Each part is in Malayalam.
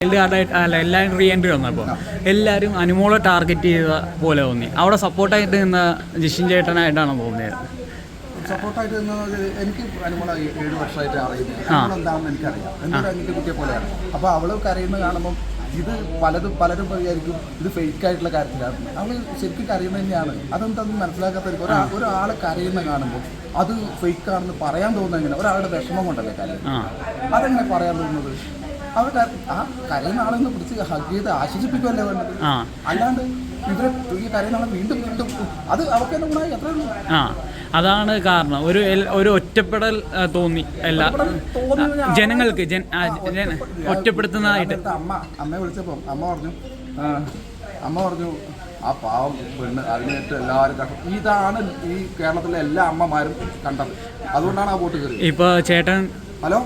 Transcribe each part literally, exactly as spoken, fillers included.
വൈൽഡ് കാർഡായിട്ട് അല്ല എല്ലാവരും റീ എൻട്രി വന്നപ്പോൾ എല്ലാവരും അനുമോളെ ടാർഗറ്റ് ചെയ്ത പോലെ തോന്നി. അവിടെ സപ്പോർട്ടായിട്ട് നിന്ന ജിഷിൻ ചേട്ടനായിട്ടാണ് തോന്നിയത്. സപ്പോർട്ടായിട്ട് നിന്നത് എനിക്ക് അനുമോളെ ഏഴ് വർഷമായിട്ട് അറിയുന്നത് എന്താണെന്ന് എനിക്കറിയാം. എന്തൊരു അനിയത്തെ കുട്ടിയെ പോലെയാണ്. അപ്പോൾ അവൾ കരയുന്നത് കാണുമ്പം ഇത് പലതും പലരും വിചാരിക്കും ഇത് ഫേക്ക് ആയിട്ടുള്ള കാര്യത്തിലാണ്. അവൾ ശരിക്കും കരയുന്നത് തന്നെയാണ്. അതെന്താണെന്ന് മനസ്സിലാക്കാത്തവർക്ക് ഒരാ ഒരാൾ കരയുന്ന കാണുമ്പോൾ അത് ഫേക്ക് ആണെന്ന് പറയാൻ തോന്നുന്നത് എങ്ങനെ? ഒരാളുടെ വിഷമം കൊണ്ടല്ലേ കരയും. അതെങ്ങനെ പറയാൻ തോന്നുന്നത്? അവർ ആ കരയുന്ന ആളെന്ന് പിടിച്ച് ഹഗ് ചെയ്ത് ആശ്വസിപ്പിക്കുമല്ലേ വേണ്ടത്. അല്ലാണ്ട് ഇവരെ ഈ കരയുന്ന ആളെ വീണ്ടും വീണ്ടും അത് അവർക്ക് തന്നെ ഗുണമായി എത്ര ഉള്ളൂ. അതാണ് കാരണം. ഒരു ഒരു ഒറ്റപ്പെടൽ തോന്നി എല്ലാ ജനങ്ങൾക്ക് ഒറ്റപ്പെടുത്തുന്നതായിട്ട്. അമ്മ അമ്മയെ വിളിച്ചപ്പോൾ അമ്മ പറഞ്ഞു അമ്മ പറഞ്ഞു ആ പാവം പെണ്ണ് അതിനേറ്റ് എല്ലാവരും കണ്ടത്. ഇതാണ് ഈ കേരളത്തിലെ എല്ലാ അമ്മമാരും കണ്ടത്. അതുകൊണ്ടാണ് ആ വോട്ട് കയറി. ഇപ്പൊ ചേട്ടൻ ഹലോ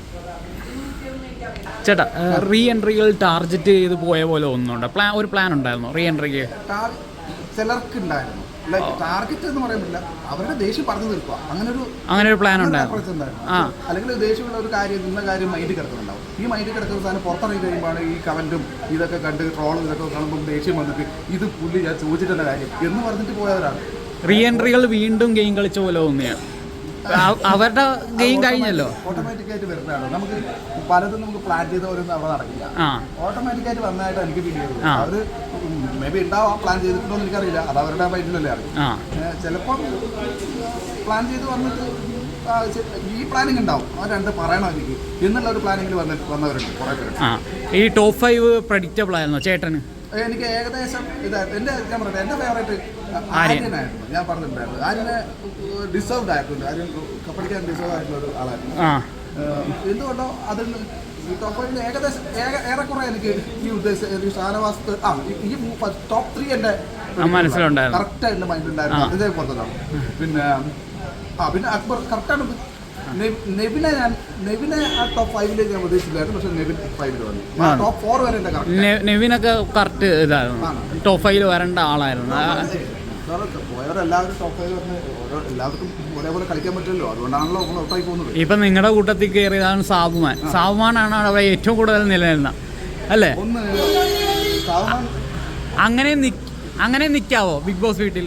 ചേട്ടാ റീ എൻട്രികൾ ടാർഗറ്റ് ചെയ്ത് പോയ പോലെ ഒന്നുണ്ട്. പ്ലാൻ ഒരു പ്ലാൻ ഉണ്ടായിരുന്നു റീ എൻട്രിക്ക് ചിലർക്ക് ഉണ്ടായിരുന്നു. ടാർഗറ്റ് എന്ന് പറയാൻ പറ്റില്ല, അവരുടെ ദേഷ്യം പറഞ്ഞു തീർക്കുക. അങ്ങനെ ഒരു അങ്ങനെ ഒരു പ്ലാൻ ഉണ്ടായിരുന്നു. അല്ലെങ്കിൽ ദേഷ്യമുള്ള ഒരു കാര്യം ഇന്ന കാര്യം മൈൻഡിൽ കിടക്കുന്നുണ്ടാവും. ഈ മൈൻഡിൽ കിടക്കുന്ന സാധനം പുറത്തിറങ്ങി കഴിയുമ്പോഴാണ് ഈ കമന്റും ഇതൊക്കെ കണ്ട് ട്രോളും ഇതൊക്കെ കാണുമ്പോൾ ദേഷ്യം വന്നിട്ട് ഇത് പുള്ളി ഞാൻ ചോദിച്ചിട്ടുള്ള കാര്യം എന്ന് പറഞ്ഞിട്ട് പോയവരാണ്. റീ എൻട്രികൾ വീണ്ടും ഗെയിം കളിച്ച പോലെ തോന്നിയാണ്. അവരുടെ ഗെയിം കഴിഞ്ഞല്ലോ. ഓട്ടോമാറ്റിക്കായിട്ട് വരുന്നതാണ്. നമുക്ക് പലതും നമുക്ക് പ്ലാൻ ചെയ്ത പോലൊന്നും അവിടെ നടക്കില്ല. ഓട്ടോമാറ്റിക്കായിട്ട് വന്നതായിട്ട് എനിക്ക് ഫീൽ ചെയ്തത്. അവർ മേ ബി ഉണ്ടാവാം, പ്ലാൻ ചെയ്തിട്ടുണ്ടോ എന്ന് എനിക്കറിയില്ല. അത് അവരുടെ മൈൻഡിലല്ലേ അറിയാം. ചിലപ്പം പ്ലാൻ ചെയ്ത് വന്നിട്ട് ഈ പ്ലാനിങ് ഉണ്ടാവും. അവർ രണ്ട് പറയണം എനിക്ക് എന്നുള്ള ഒരു പ്ലാനിങ്ങിൽ വന്നിട്ട് വന്നവരുണ്ട് കുറേ പേര്. ഈ ടോപ്പ് ഫൈവ് പ്രഡിക്റ്റബിൾ ആയിരുന്നോ ചേട്ടന്? എനിക്ക് ഏകദേശം ഇതായിരുന്നു. എൻ്റെ ഞാൻ പറഞ്ഞത് എൻ്റെ ഫേവറേറ്റ് ആര്യനായിരുന്നു. ഞാൻ പറഞ്ഞിട്ടുണ്ടായിരുന്നു ആര്യനെ ഡിസേർവ്ഡ് ആയിട്ടുണ്ട്. ആര്യൻ കപ്പടിക്കാൻ ഡിസേർവ് ആയിട്ടുള്ള ഒരു ആളായിരുന്നു. എന്തുകൊണ്ടോ അതിൽ ടോപ്പ് ഏകദേശം ഏറെക്കുറെ എനിക്ക് ഈ ഉദ്ദേശിച്ച ഷാനവാസ് ആ ഈ ടോപ്പ് ത്രീ എൻ്റെ മനസ്സിലുണ്ടായിരുന്നു. കറക്റ്റ് എൻ്റെ മൈൻഡിലുണ്ടായിരുന്നു. അതേപോലത്തതാണ്. പിന്നെ ആ പിന്നെ അക്ബർ കറക്റ്റാണ്. നെവിനെ ഞാൻ നെവിനെ ആ ടോപ്പ് ഫൈവിലേക്ക് ഞാൻ പ്രതീക്ഷിച്ചില്ലായിരുന്നു. പക്ഷേ നെവിൻ ഫൈവിൽ വന്നു. ടോപ്പ് ഫോർ വരെ എൻ്റെ കറക്റ്റ് നെവിനൊക്കെ കറക്റ്റ് ഇതായിരുന്നു. ടോപ്പ് ഫൈവിൽ വരേണ്ട ആളായിരുന്നു. പോയവരെല്ലാവരും ടോപ്പ് ഫൈവ് പറഞ്ഞ് ഓരോ എല്ലാവർക്കും ഒരേപോലെ കളിക്കാൻ പറ്റുമല്ലോ. അതുകൊണ്ടാണല്ലോ നമ്മൾ ഔട്ടായി പോകുന്നത്. ഇപ്പം നിങ്ങളുടെ കൂട്ടത്തിൽ കയറിയതാണ് സാബുമാൻ. സാബുമാനാണ് അവിടെ ഏറ്റവും കൂടുതൽ നിലനിൽക്കുന്നത് അല്ലേ? ഒന്ന് സാബുമാൻ അങ്ങനെ അങ്ങനെ നിൽക്കാവോ ബിഗ് ബോസ് വീട്ടിൽ?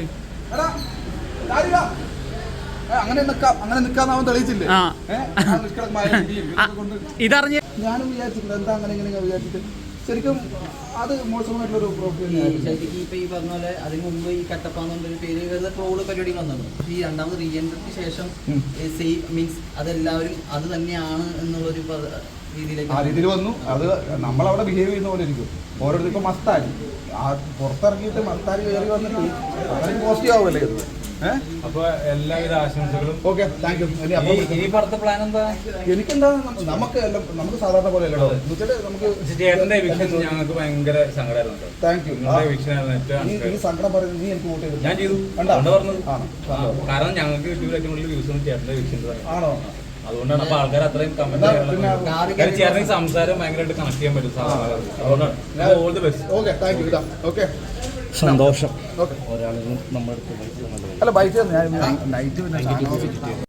അങ്ങനെ നിൽക്കാം. അങ്ങനെ നിൽക്കാന്ന് തെളിയിച്ചില്ലേ? ഇതറിഞ്ഞ ഞാനും വിചാരിച്ചിട്ടുണ്ട് എന്താ അങ്ങനെ ഇങ്ങനെ വിചാരിച്ചിട്ട്. ശരിക്കും അത് മോശമായിട്ടുള്ളൊരു ശരിക്കും ഇപ്പൊ ഈ പറഞ്ഞ പോലെ അതിന് മുമ്പ് ഈ കട്ടപ്പാന്നൊരു പേര് വരുന്ന ട്രോള് പരിപാടി വന്നത്. ഈ രണ്ടാമത് റീ എൻട്രിക്ക് ശേഷം സേഫ് മീൻസ് അതെല്ലാവരും അത് തന്നെയാണ് എന്നുള്ളൊരു ആ രീതിയിൽ വന്നു. അത് നമ്മളവിടെ ബിഹേവ് ചെയ്യുന്ന പോലെ ഇരിക്കും. ഓരോരുത്തർ ഇപ്പൊ മസ്താരി ആ പുറത്തിറങ്ങിയിട്ട് മസ്താരി കയറി വന്നിട്ട് വളരെ പോസിറ്റീവ് ആവുമല്ലേ ഇത്. അപ്പൊ എല്ലാവിധ ആശംസകളും. Okay, thank you. ഈ പറഞ്ഞ പ്ലാൻ എന്താ? എനിക്കെന്താ നമുക്ക് എല്ലാം നമുക്ക് സാധാരണ പോലെ അല്ലല്ലോ. നമുക്ക് ചേട്ടന്റെ എവിക്ഷൻ ഞങ്ങൾക്ക് ഭയങ്കര സങ്കടമായിരുന്നു. Thank you. ഈ സങ്കടം പറയുന്നത് നീ എനിക്ക് വോട്ട് ചെയ്തു. ഞാൻ ചെയ്തു പറഞ്ഞത് കാരണം ഞങ്ങൾക്ക് യൂട്യൂബിലേക്കുള്ള വ്യൂസ് ചേട്ടന്റെ എവിക്ഷൻ ആണോ. അതുകൊണ്ടാണ് അപ്പൊ ആൾക്കാർ അത്രയും കമന്റ് ചേട്ടൻ സംസാരം ഭയങ്കരമായിട്ട് കണക്ട് ചെയ്യാൻ പറ്റും. അതുകൊണ്ടാണ് all the best. Okay, thank you. Okay, സന്തോഷം. ഓക്കെ, ഒരാളും നമ്മുടെ അല്ല ബൈറ്റ് ഞാൻ നൈറ്റ്